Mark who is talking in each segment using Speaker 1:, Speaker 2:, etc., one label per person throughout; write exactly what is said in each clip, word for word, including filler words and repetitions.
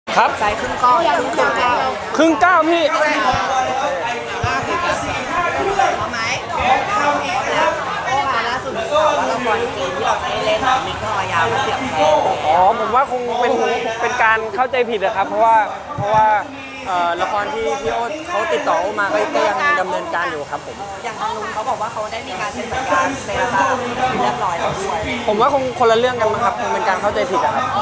Speaker 1: ครับใส่ครึ่งก้อนครึ่งก้าวครึ่งก้าวพี่พอไหมโอ้ค่ะล่าสุดข่าวว่าละครจีนที่เราจะได้เล่นมิกทอยาวเสียบแทนอ๋อผมว่าคงเป็นเป็นการเข้าใจผิดนะครับเพราะว่าเพราะว่าละครที่พี่โอ๊ตเขาติดต่อมาก็ยังดำเนินการอยู่ครับผมอย่างทางนู้นเขาบอกว่าเขาได้มีการเซ็นสัญญาเซ็นสัญญาเรียบร้อยแล้วด้วยผมว่าคงคนละเรื่องกันมั้งครับคงเป็นการเข้าใจผิดครับ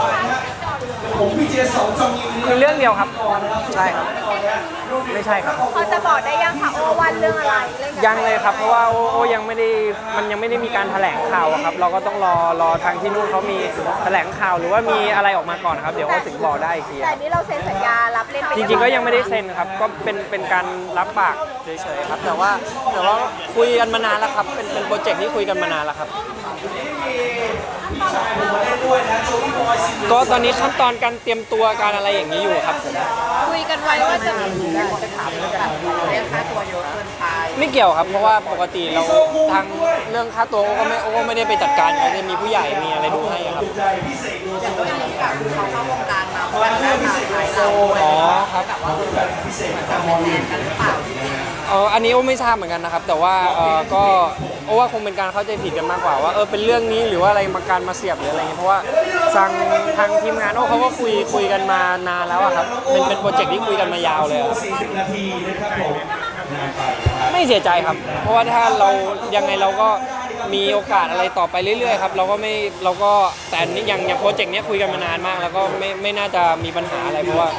Speaker 1: คือเรื่องเดียวครับใช่ครับไม่ใช่ครับ
Speaker 2: เขาจะบอกได้ยังคะโอวันเรื่องอะไร
Speaker 1: ยังเลยครับเพราะว่าโอโอยังไม่ได้มันยังไม่ได้มีการแถลงข่าวครับเราก็ต้องรอรอทางที่นู่นเขามีแถลงข่าวหรือว่ามีอะไรออกมาก่อนครับเดี๋ยวเขาถึงบอกได้อีกที
Speaker 2: แต่นี้เราเซ็นสัญญารับเล่น
Speaker 1: จริงๆก็ยังไม่ได้เซ็นครับก็เป็นเป็นการรับปากเฉยๆครับแต่ว่าแต่ว่าคุยกันมานานแล้วครับเป็นเป็นโปรเจกต์ที่คุยกันมานานแล้วครับก็ตอนนี้ขั้นตอนการเตรียมตัวการอะไรอย่างนี้อยู่ครับ
Speaker 2: คุยกันไว้ว่าจะมี
Speaker 1: จะถามเรื่องเรื่องค่าตัวเยอะเกินไปไม่เกี่ยวครับเพราะว่าปกติเราทางเรื่องค่าตัวโอ้ก็ไม่โอ้ก็ไม่ได้ไปจัดการจะมีผู้ใหญ่มีอะไรดูให้ครับอย่างด้วยนี้แบบเขาเข้าวงการมาเพราะว่าหน้าตาคล้ายเราอ๋อครับแบบว่าจะเป็นแฟนกันหรือเปล่าเอออันนี้โอ้ไม่ทราบเหมือนกันนะครับแต่ว่าเออก็โอ้ว่าคงเป็นการเข้าใจผิดกันมากกว่าว่าเออเป็นเรื่องนี้หรือว่าอะไรมาการมาเสียบหรืออะไรเงี้ยเพราะว่าทางทางทีมงานโอ้เขาก็คุยคุยกันมานานแล้วครับเป็นเป็นโปรเจกต์ที่คุยกันมายาวเลยไม่เสียใจครับเพราะว่าถ้าเรายังไงเราก็มีโอกาสอะไรต่อไปเรื่อยๆครับเราก็ไม่เราก็แต่นี่อย่างอย่างโปรเจกต์นี้คุยกันมานานมากแล้วก็ไม่ไม่น่าจะมีปัญหาอะไรเพราะว่า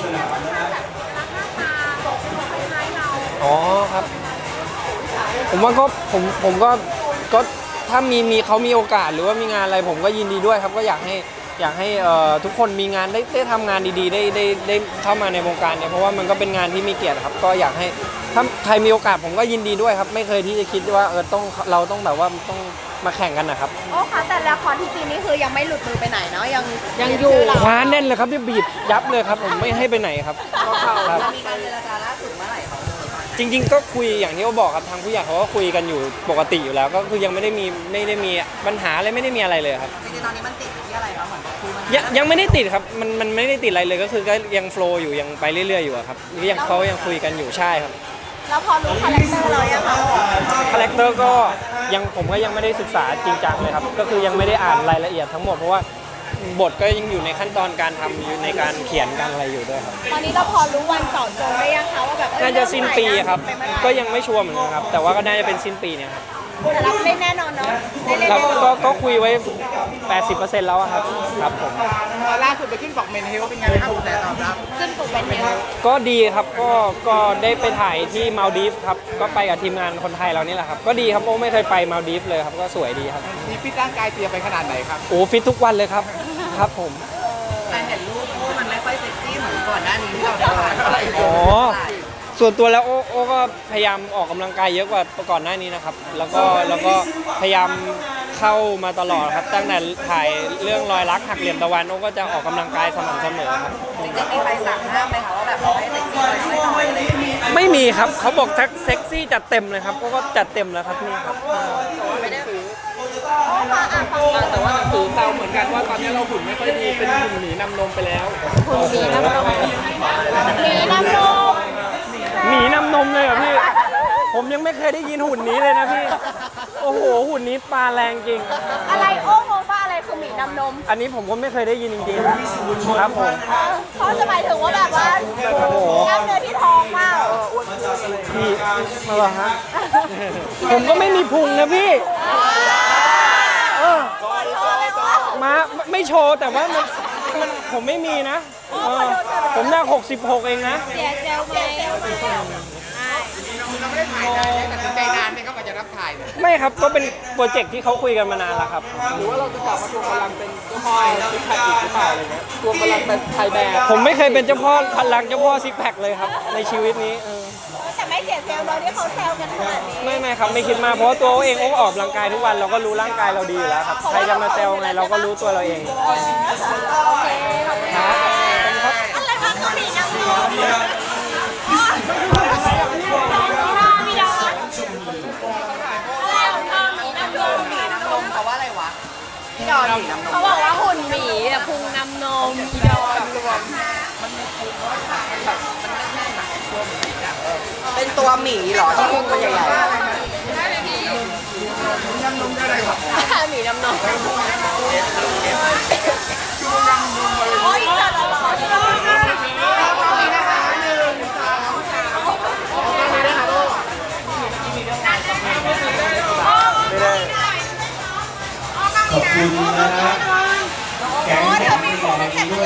Speaker 1: อ๋อครับผมว่าก็ผมผมก็ก็ถ้ามีมีเขามีโอกาสหรือว่ามีงานอะไรผมก็ยินดีด้วยครับก็อยากให้อยากให้ทุกคนมีงานได้ได้ทำงานดีๆได้ได้ได้เข้ามาในวงการเนี่ยเพราะว่ามันก็เป็นงานที่มีเกียรติครับก็อยากให้ถ้าใครมีโอกาสผมก็ยินดีด้วยครับไม่เคยที่จะคิดว่าเออต้องเราต้องแบบว่าต้องมาแข่งกันนะครับ
Speaker 2: โอ้ค่ะแต่ละครที่จีนนี่คือยังไม่หลุดมือไปไหนเนาะยังยังอยู่
Speaker 1: คว้าแน่นเลยครับที่บีบยับเลยครับผมไม่ให้ไปไหนครับ
Speaker 2: จะมีการเจรจาล่าสุดเมื่อไหร่ครับ
Speaker 1: จริงๆก็คุยอย่างที่เขาบอกครับทางผู้ใหญ่เขาก็คุยกันอยู่ปกติอยู่แล้วก็คือยังไม่ได้มีไม่ได้มีปัญหาอะไรไม่ได้มีอะไรเลยครับ
Speaker 2: จริงๆตอนนี้มันติดที่อะไรครับเหมือน
Speaker 1: ยังยังไม่ได้ติดครับมันมันไม่ได้ติดอะไรเลยก็คือก็ยังโฟล์อยู่ยังไปเรื่อยๆอยู่ครับยังเขายังคุยกันอยู่ใช่ครับ
Speaker 2: แล้วพอรู้คาแรคเตอร์เรายังคะ
Speaker 1: คาแรคเตอร์ก็ยังผมก็ยังไม่ได้ศึกษาจริงจังเลยครับก็คือยังไม่ได้อ่านรายละเอียดทั้งหมดเพราะว่าบทก็ยังอยู่ในขั้นตอนการทำอยู่ในการเขียนการอะไรอยู่ด้วยครับ
Speaker 2: ตอนนี้เราพอรู้วันต่อจงได้ยังคะว่าแบบ
Speaker 1: น่าจะสิ้นปีครับก็ยังไม่ชัวร์เหมือนกันครับแต่ว่าก็น่าจะเป็นสิ้นปีเนี่ยครับ
Speaker 2: แต่รับเล่นแน่นอนเนาะ
Speaker 1: เราก็ก็คุยไว้ แปดสิบเปอร์เซ็นต์ แล้วครับครับผม
Speaker 3: ล่าสุดไปขึ้นปกเมนเฮลเป็นไงครับแต่ตอบรับ
Speaker 2: ขึ้นปกเมนเฮล
Speaker 1: ก็ดีครับก็ก็ได้ไปถ่ายที่มาลดีฟครับก็ไปกับทีมงานคนไทยเรานี่แหละครับก็ดีครับโอ้ไม่เคยไปมาลดีฟเลยครับก็สวยดีครับ
Speaker 3: มีฟิตร่างกายเตรียมไปขนาดไหนครับ
Speaker 1: โอ้ฟิตทุกวันเลยครับครับผม
Speaker 2: แต่เห็นรูปมันไม่ค่อยเซ็กซี่เหมือนก่อนหน้านี้ที่เราถ่าย
Speaker 1: อ๋อส่วนตัวแล้วโอ้โอ้ก็พยายามออกกำลังกายเยอะกว่าก่อนหน้านี้นะครับแล้วก็แล้วก็พยายามเข้ามาตลอดครับตั้งแต่ถ่ายเรื่องรอยรักหักเหลี่ยมตะวันโอ้ก็จะออกกำลังกายสม่ำเสมอครับ
Speaker 2: จริงๆมีใครสั่งห้ามไหมคะว่าแบบให้เซ็กซี่ไม่น้อยอะไรอย่างนี้
Speaker 1: ไม่มีครับเขาบอกทักเซ็กซี่จัดเต็มเลยครับก็จัดเต็มแล้วครับนี่ครับ
Speaker 2: ไม่ได้ถือ
Speaker 3: แต่ว่าหนังสือแซวเหมือนกันว่าตอนนี้เราหุ่นไม่ค่อยดีเป็นหุ่นหมีนำนมไปแล้ว
Speaker 2: หุ่นหมีนำนมหมีนำนม
Speaker 1: หมีนำนมเลยเหรอพี่ผมยังไม่เคยได้ยินหุ่นนี้เลยนะพี่โอ้โหหุ่นนี้ปลาแรงจริง
Speaker 2: อะไรโอ้งงว่าอะไรคือหมีนำนม
Speaker 1: อันนี้ผมก็ไม่เคยได้ยินจริงๆครับผม
Speaker 2: เขาจะหมายถึงว่าแบบว่ากล้ามเนื้อที่ท้องมาก
Speaker 1: พี่มาเหรอฮะผมก็ไม่มีพุงนะพี่มาไม่โชว์แต่ว่ามันมันผมไม่มีนะผมหน้าหกสิบหกเองนะ
Speaker 2: เสียเซลไหม
Speaker 3: เราไม่ได้ถ่ายนานแต่ถึงใจนานเนี่ยเขาก็จะรับถ่าย
Speaker 1: ไม่ครับก็เป็นโปรเจกต์ที่เขาคุยกันมานานแล้วครับ
Speaker 3: หรือว่าเราจะกลับมาทวงพลังเป็นเจ้าพ่อซิกแพคอีกหรือเปล่าอะไรเงี้ยทวงพลังเป็นไทยแบร์
Speaker 1: ผมไม่เคยเป็นเจ้าพ่อพลังเจ้าพ่อซิกแพคเลยครับในชีวิตนี้
Speaker 2: แต่ไม่เสียเซลล์เราที่เขาแซวกันขนาดนี้
Speaker 1: ไม่ไม่ครับไม่คิดมาเพราะว่าตัวเองโอ้ออกกำลังกายทุกวันเราก็รู้ร่างกายเราดีอยู่แล้วครับใครจะมาแซวไงเราก็รู้ตัวเราเอง
Speaker 2: โอเคครับอะไรคะเกาหลีนะพี่พี่ดอนเขาว่าอะไรวะพี่ดอนเขาบอกว่าหุ่นหมีพุงน้ำนมพี่ดอนรวม
Speaker 4: เป็นตัวหมีเหรอที่พุงมันใหญ่ๆ
Speaker 2: หมีน้ำนมโอ้ยจัดหล่อๆ
Speaker 5: ขอบคุณนะฮะแก๊งแข่งที่บอกแบบนี้ด้วย